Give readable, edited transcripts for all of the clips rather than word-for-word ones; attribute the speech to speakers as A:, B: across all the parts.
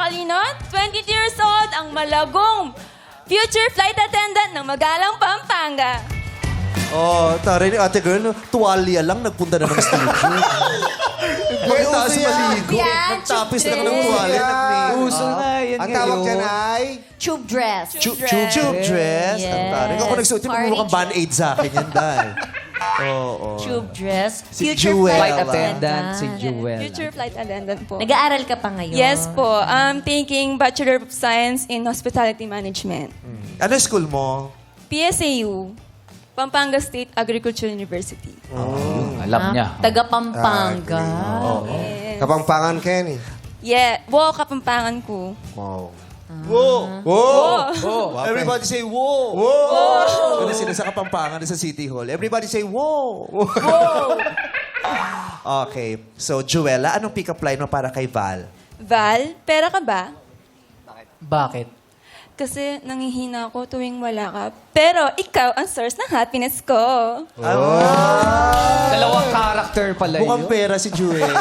A: matalino, 22 years old, ang malagong future flight attendant ng Magalang, Pampanga.
B: Oh, tari ni ate girl, tuwalya lang, nagpunta na ng studio. Magtaas maligo.
A: Yan,
B: Nagtapis
A: tube
B: lang ng
A: dress.
B: tuwalya, nag-make.
C: Uso na, yan
D: Ang tawag
C: ngayon.
D: dyan ay...
E: Tube dress.
B: Tube dress.
E: Yes.
B: Ang tari. Ako nagsuot yung
E: Party
B: mukhang band-aid sa akin yan, dahil. Oo.
E: Tube dress.
B: Si
E: Future
B: Jewel.
C: Flight
B: Wala.
C: attendant, si Jewel.
A: Future flight attendant po.
E: Nag-aaral ka pa ngayon?
A: Yes po. I'm taking Bachelor of Science in Hospitality Management.
B: Ano school mo?
A: PSAU, Pampanga State Agricultural University.
C: Alam niya.
E: Taga Pampanga.
A: Yes.
D: Kapampangan, Kenny.
A: Yeah. Wow, Kapampangan ko.
D: Wow.
B: Whoa!
A: Oh.
B: Everybody say, whoa! Whoa! Ano sila sa Kapampangan sa City Hall? Everybody say, whoa! Okay. So, Juela, anong pick-up line mo para kay Val?
A: Val, pera ka ba?
C: Bakit?
A: Kasi nangihina ako tuwing wala ka. Pero ikaw ang source ng happiness ko.
C: Dalawang character pala
B: Mukhang
C: yun.
B: pera si Juela.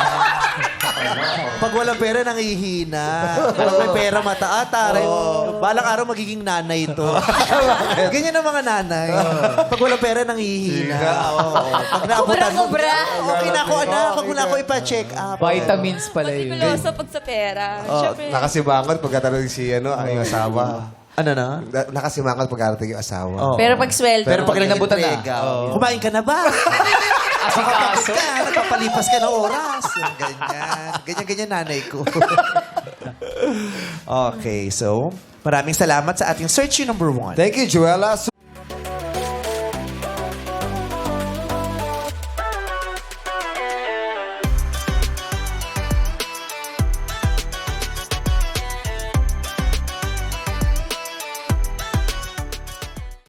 B: Pag walang pera, nangihina. Pag may pera, mataas. Taray. Balang araw, magiging nanay ito. Ganyan ang mga nanay. Pag walang pera, nangihina. Pag naabutan mo,
E: Sobra-sobra.
B: okay na ako, anak. Huwag mo na ako ipa-check up.
C: Vitamins pala yun.
A: Matikuloso pag sa pera. Siyempre,
D: Nakasimangot pagkatapos si ang iyong asawa.
B: Ano na?
D: Nakasimangot pagkatapos yung asawa.
B: Oh.
E: Pero pag sweldo.
B: Pero pag
C: Inabutan na.
B: nag-entrega, kumain ka na ba?
C: Asikaso.
B: Nakapalipas ka ng oras. Yung ganyan. Ganyan-ganyan nanay ko. Okay, so maraming salamat sa ating search you number 1.
D: Thank you, Joella.